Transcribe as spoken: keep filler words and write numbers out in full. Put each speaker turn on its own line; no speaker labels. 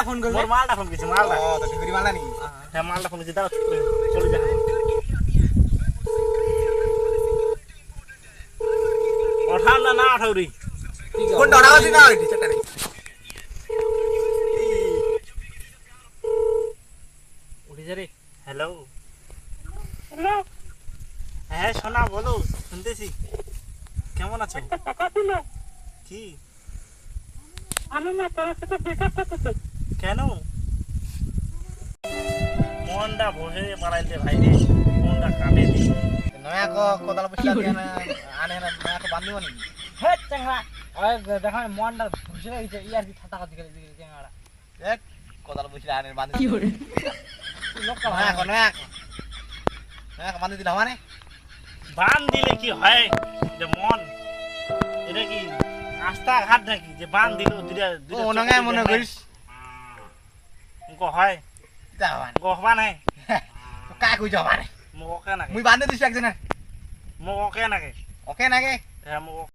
phone করবে
মোর মালটা phone করছে মালটা
ও তো ঠিকরি মালা নি
হ্যাঁ মালটা ফোন করছে দাও চলে যা ওঠাও না না ওঠাও রে
কোন ডড়াও দিনা ওই টিচারটা রে
উঠে যা রে হ্যালো হ্যালো হ্যাঁ শোনা বলো শুনতেছি কেমন আছো কি
আমি না তোর সাথে ব্রেকআপ করতে
কেন মনটা বসে পালাইতে ভাই রে মনটা কাটে দি
নয়া কো কোদাল বসলা কেন আনে না নয়া কো বান্ধিব নি
হে চাংড়া ওই দেখা মনটা বুঝে গেছে ইয়ার কি ঠাটা কথা করে দিকে চাংড়া
দেখ কোদাল বসলা আনে বান্ধি
কি করে লোক কা
নয়া কো নয়া কো নয়া কো বান্ধি দিলা মানে
বান দিলে কি হয় যে মন এটা কি আস্থা ঘাট নাকি যে বান দিল দুইটা
ও নঙ্গা মনে করিস
উনকো হয়
যা মানে
উনকো হবা নাই
তো কা কই যাবা মানে
মোক ওকে নাকি
মুই বান্ধি দিছি একজনের
মোক ওকে নাকি
ওকে নাকি
হ্যাঁ মোক